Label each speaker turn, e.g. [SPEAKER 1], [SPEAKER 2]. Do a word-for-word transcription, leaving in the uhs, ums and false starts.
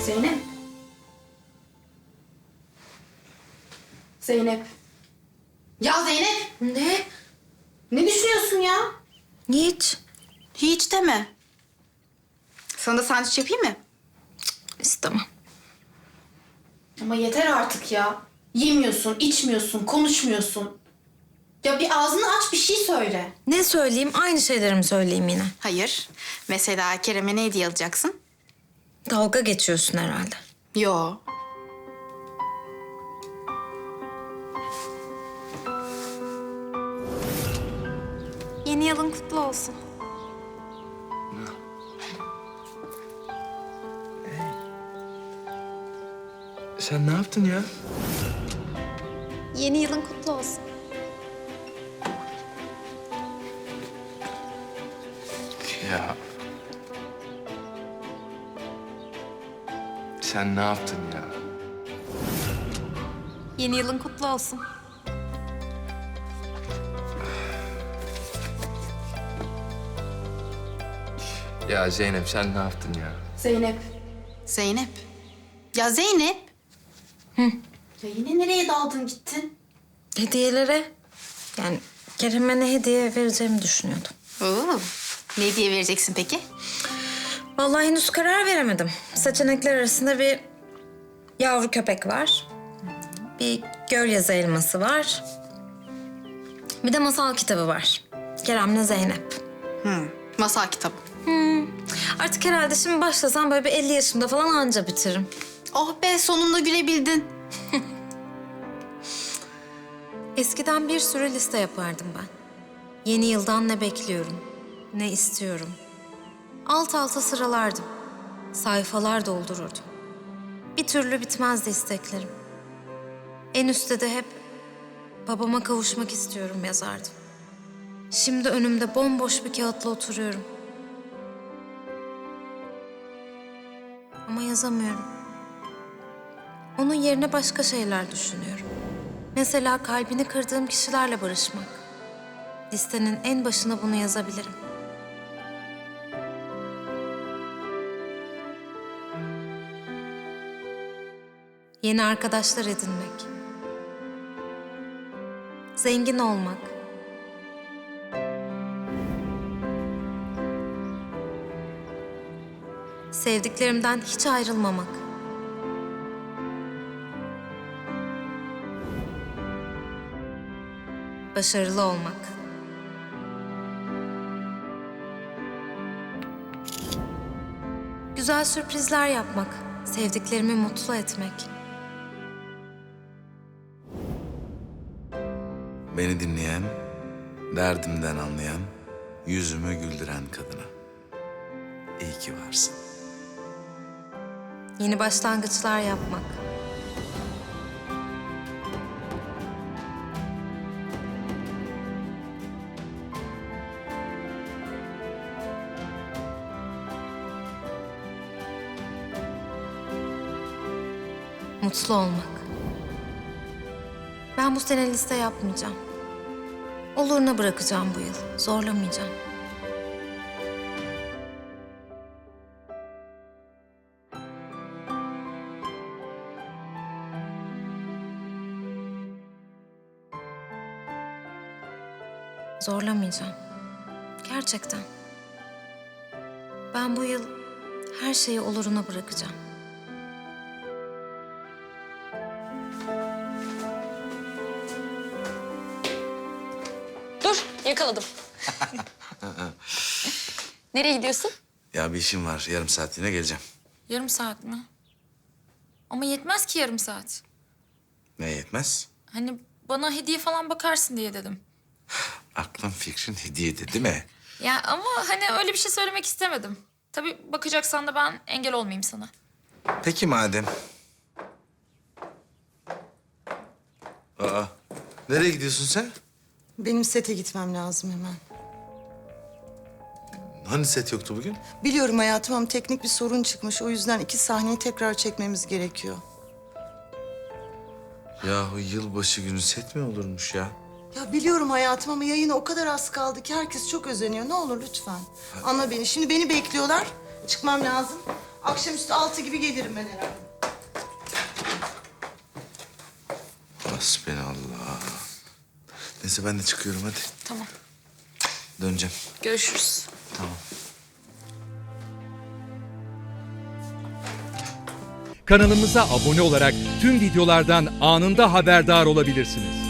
[SPEAKER 1] Zeynep. Zeynep. Ya Zeynep.
[SPEAKER 2] Ne?
[SPEAKER 1] Ne düşünüyorsun ya?
[SPEAKER 2] Hiç.
[SPEAKER 1] Hiç deme. Sana da sandviç yapayım mı?
[SPEAKER 2] İstemem.
[SPEAKER 1] Ama yeter artık ya. Yemiyorsun, içmiyorsun, konuşmuyorsun. Ya bir ağzını aç, bir şey söyle.
[SPEAKER 2] Ne söyleyeyim? Aynı şeyleri mi söyleyeyim yine?
[SPEAKER 1] Hayır. Mesela Kerem'e ne hediye alacaksın?
[SPEAKER 2] Dalga geçiyorsun herhalde.
[SPEAKER 1] Yo.
[SPEAKER 2] Yeni yılın kutlu olsun.
[SPEAKER 3] Sen ne yaptın ya?
[SPEAKER 2] Yeni yılın kutlu olsun.
[SPEAKER 3] Ya. Sen ne yaptın ya?
[SPEAKER 2] Yeni yılın kutlu olsun.
[SPEAKER 3] Ya Zeynep sen ne yaptın ya?
[SPEAKER 1] Zeynep. Zeynep. Ya Zeynep.
[SPEAKER 2] Hı.
[SPEAKER 1] Ya yine nereye daldın gittin?
[SPEAKER 2] Hediyelere. Yani Kerem'e ne hediye vereceğimi düşünüyordum.
[SPEAKER 1] Oo. Ne hediye vereceksin peki?
[SPEAKER 2] Vallahi henüz karar veremedim. Seçenekler arasında bir yavru köpek var. Bir göl yazı elması var. Bir de masal kitabı var. Kerem'le Zeynep.
[SPEAKER 1] Hı. Masal kitabı.
[SPEAKER 2] Hmm. Artık herhalde şimdi başlasam böyle bir elli yaşımda falan anca bitiririm.
[SPEAKER 1] Oh be, sonunda gülebildin.
[SPEAKER 2] Eskiden bir sürü liste yapardım ben. Yeni yıldan ne bekliyorum, ne istiyorum. Alt alta sıralardım. Sayfalar doldururdum. Bir türlü bitmezdi isteklerim. En üstte de hep babama kavuşmak istiyorum yazardım. Şimdi önümde bomboş bir kağıtla oturuyorum. Ama yazamıyorum. Onun yerine başka şeyler düşünüyorum. Mesela kalbini kırdığım kişilerle barışmak. Listenin en başına bunu yazabilirim. Yeni arkadaşlar edinmek. Zengin olmak. Sevdiklerimden hiç ayrılmamak. Başarılı olmak. Güzel sürprizler yapmak, sevdiklerimi mutlu etmek.
[SPEAKER 4] Beni dinleyen, derdimden anlayan, yüzümü güldüren kadına. İyi ki varsın.
[SPEAKER 2] Yeni başlangıçlar yapmak. Mutlu olmak. Ben bu sene liste yapmayacağım. Oluruna bırakacağım bu yıl. Zorlamayacağım. Zorlamayacağım. Gerçekten. Ben bu yıl her şeyi oluruna bırakacağım.
[SPEAKER 5] Dur, yakaladım. Nereye gidiyorsun?
[SPEAKER 4] Ya bir işim var, yarım saatliğine geleceğim.
[SPEAKER 5] Yarım saat mi? Ama yetmez ki yarım saat.
[SPEAKER 4] Ne yetmez?
[SPEAKER 5] Hani bana hediye falan bakarsın diye dedim.
[SPEAKER 4] Aklın fikrin hediyeydi değil mi?
[SPEAKER 5] Ya ama hani öyle bir şey söylemek istemedim. Tabii bakacaksan da ben engel olmayayım sana.
[SPEAKER 4] Peki madem. Aa, nereye gidiyorsun sen?
[SPEAKER 6] Benim sete gitmem lazım hemen.
[SPEAKER 4] Hani set yoktu bugün?
[SPEAKER 6] Biliyorum hayatım ama teknik bir sorun çıkmış. O yüzden iki sahneyi tekrar çekmemiz gerekiyor.
[SPEAKER 4] Yahu yılbaşı günü set mi olurmuş ya?
[SPEAKER 6] Ya biliyorum hayatım ama yayına o kadar az kaldı ki herkes çok özeniyor. Ne olur lütfen. Anla beni. Şimdi beni bekliyorlar. Çıkmam lazım. Akşamüstü altı gibi gelirim ben herhalde.
[SPEAKER 4] Hasbinallah. Neyse ben de çıkıyorum hadi.
[SPEAKER 5] Tamam.
[SPEAKER 4] Döneceğim.
[SPEAKER 5] Görüşürüz.
[SPEAKER 4] Tamam.
[SPEAKER 7] Kanalımıza abone olarak tüm videolardan anında haberdar olabilirsiniz.